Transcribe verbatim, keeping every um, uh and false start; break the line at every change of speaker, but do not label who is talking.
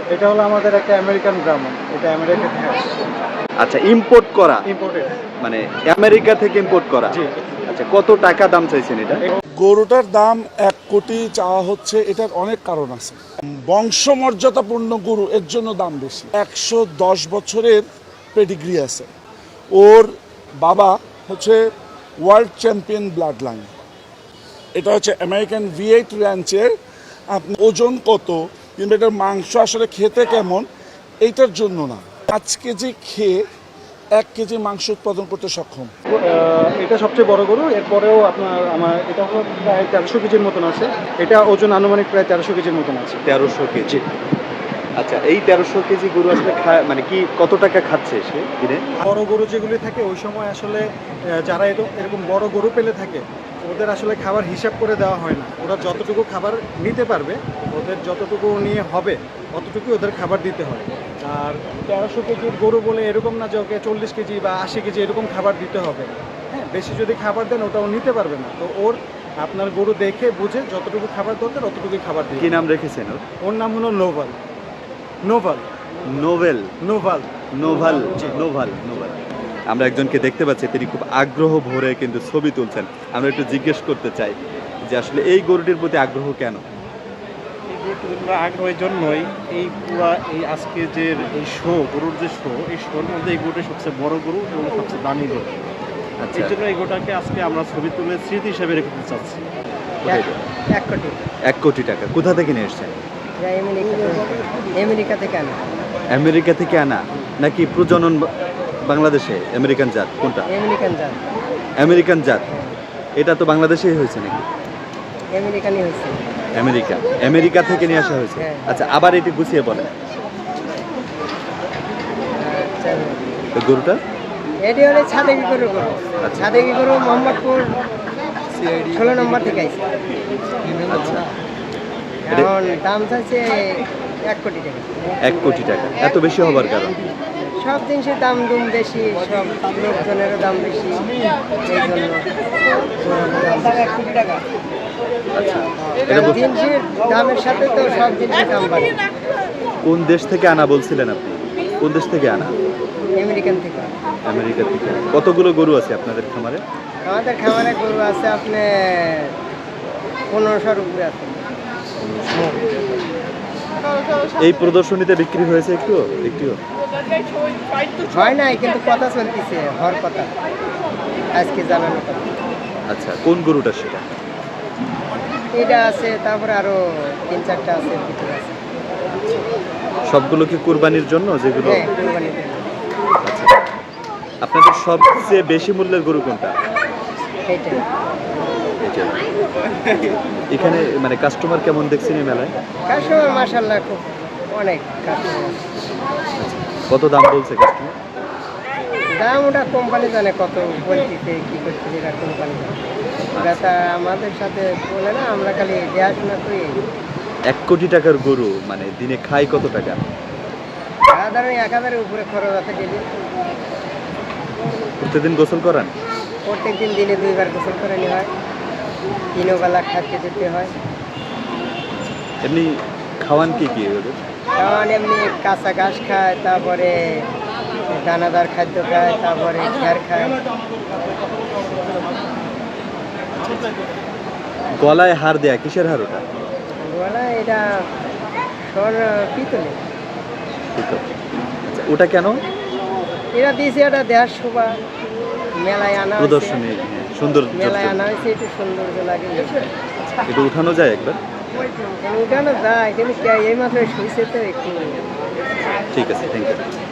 এটা হলো আমাদের একটা আমেরিকান ব্রাহ্মণ, এটা আমেরিকা থেকে আসছে।
আচ্ছা, ইম্পোর্ট করা,
ইম্পোর্টেড,
মানে আমেরিকা থেকে ইম্পোর্ট করা।
জি।
আচ্ছা, কত টাকা দাম চাইছেন এটা?
গরুটার দাম এক কোটি চাওয়া হচ্ছে। এটার অনেক কারণ আছে। বংশমর্যাদাপূর্ণ গরু, এর জন্য দাম বেশি। একশো দশ বছরের পেডিগ্রি আছে। ওর বাবা হচ্ছে ওয়ার্ল্ড চ্যাম্পিয়ন ব্লাড লাইন। এটা হচ্ছে আমেরিকান ভি এইট র্যাঞ্চের। আপনি ওজন কত কিংবা এটার মাংস আসলে খেতে কেমন, এইটার জন্য না। পাঁচ কেজি খেয়ে এক কেজি মাংস উৎপাদন করতে সক্ষম।
এটা সবচেয়ে বড় গরু। এরপরেও আপনার আমার এটা হলো প্রায় তেরোশো কেজির মতন আছে। এটা ওজন আনুমানিক প্রায় তেরোশো কেজির মতন আছে।
তেরোশো কেজি। আচ্ছা, এই তেরোশো কেজি গরু আসলে খায় মানে কি, কত টাকা খাচ্ছে সে দিনে?
বড় গরু যেগুলি থাকে ওই সময় আসলে যারা এরকম বড় গরু পেলে থাকে ওদের আসলে খাবার হিসাব করে দেওয়া হয় না। ওরা যতটুকু খাবার নিতে পারবে, ওদের যতটুকু নিয়ে হবে অতটুকুই ওদের খাবার দিতে হয়। আর তেরোশো কেজির গরু বলে এরকম না যে ওকে চল্লিশ কেজি বা আশি কেজি এরকম খাবার দিতে হবে। হ্যাঁ, বেশি যদি খাবার দেন ওটাও নিতে পারবে না। তো ওর আপনার গরু দেখে বুঝে যতটুকু খাবার দরকার অতটুকুই খাবার দিই।
কি নাম রেখেছেন ওর?
ওর নাম হলো নোভাল। নোভাল
নোভেল
নোভাল
নোভাল নোভাল নোভাল। আমরা একজনকে দেখতে পাচ্ছি, তিনি খুব আগ্রহ ভরে কিন্তু ছবি তুলছেন। আমরা একটু জিজ্ঞেস করতে চাই যে আসলে এই গরুটির প্রতি আগ্রহ কেন?
এই গরুটির আগ্রহের জন্যই এই পুরা এই আজকে যে এই শো, গরুর যে শো, এই শোর মধ্যে এই গরুটি সবচেয়ে বড় গরু এবং সবচেয়ে দামি গরু।
আচ্ছা,
এই জন্য এই গরুটাকে আজকে আমরা ছবি তুলে স্মৃতি হিসাবে রেখে চাচ্ছি।
এক কোটি
এক কোটি টাকা কোথা থেকে নিয়ে এসছেন?
আমেরিকা থেকে আনা।
আমেরিকা থেকে আনা নাকি প্রজনন বা- বাংলাদেশে? আমেরিকান জাত কোনটা?
আমেরিকান জাত।
আমেরিকান জাত। এটা তো বাংলাদেশেই হয়েছে নাকি?
আমেরিকানই হয়েছে।
আমেরিকা আমেরিকা থেকে নিয়ে আসা হয়েছে।
হ্যাঁ।
আচ্ছা, আবার এটি গুছিয়ে বলেন
আচ্ছা,
তো গরুটা।
এটি হলে ছাদেকি গরু গরু
আচ্ছা।
ছাদেকি গরু মোহাম্মদপুর ষোলো নম্বর থেকে আইছে।
আচ্ছা,
এখন দাম চাইছে এক কোটি টাকা।
এক কোটি টাকা এত বেশি হবার কারণ?
সব জিনিসের দাম দুম বেশি, সব লোকজনেরও দাম বেশি, এই জন্য এক কোটি টাকা।
আচ্ছা, এটা বল-
জিনিসের দামের সাথে তো সব জিনিসের দাম বাড়ে।
কোন দেশ থেকে আনা বলছিলেন আপনি? কোন দেশ থেকে আনা?
আমেরিকান থেকে।
আমেরিকা থেকে। কতগুলো গরু আছে আপনাদের খামারে?
আমাদের খামারে গরু আছে আপনি পনেরোশোর উপরে আছে।
এই প্রদর্শনীতে বিক্রি হয়েছে একটু একটুও?
হয় নাই, কিন্তু কথা চলতেছে, হওয়ার কথা, আজকে জানানো কথা।
আচ্ছা, কোন গরুটা সেটা?
এটা আছে, তারপরে আরো তিন চারটা আছে, ভিতরে আছে।
সবগুলো কি কুরবানির জন্য যেগুলো?
হ্যাঁ, কুরবানির জন্য।
আচ্ছা, আপনাদের সবচেয়ে বেশি মূল্যের গরু কোনটা?
এইটাই।
এটা। এখানে মানে কাস্টমার কেমন দেখছেন এই মেলায়?
কাস্টমার মাশাআল্লাহ খুব অনেক কাস্টমার।
কত দাম বলছে কাস্টমার?
দাম ওটা কোম্পানি জানে কত বলতেছে, কি করতেছে, এটা কোম্পানি জানে। ওটা তা আমাদের সাথে বলে না, আমরা খালি দেখাশোনা করি।
এক কোটি টাকার গরু মানে দিনে খায় কত টাকা?
সাধারণ এক হাজারের উপরে খরচ আছে ডেলি।
প্রতিদিন গোসল করান?
প্রত্যেক দিন দিনে দুইবার গোসল করে নেওয়া হয়, তিনও বেলা খাইতে যেতে হয়।
এমনি খাওয়ান কি কি ওদের?
কারণ এমনি কাঁচা ঘাস খায়, তারপরে দানাদার খাদ্য খায়, তারপরে খ্যার খায়।
গলায় হার দেয়া, কিসের হার ওটা?
বলা এটা স্বর পিতলে।
আচ্ছা, ওটা কেন?
এরা দিয়েছে, এটা দেহার শোভা, মেলায় আনা হয়েছে।
প্রদর্শনী, সুন্দর।
মেলায় আনা হয়েছে, একটু সৌন্দর্য লাগে।
এটা উঠানো যায় একবার?
উঠানো যায়, কিন্তু এই মাত্র শুয়েছে তো একটু।
ঠিক আছে, থ্যাংক ইউ।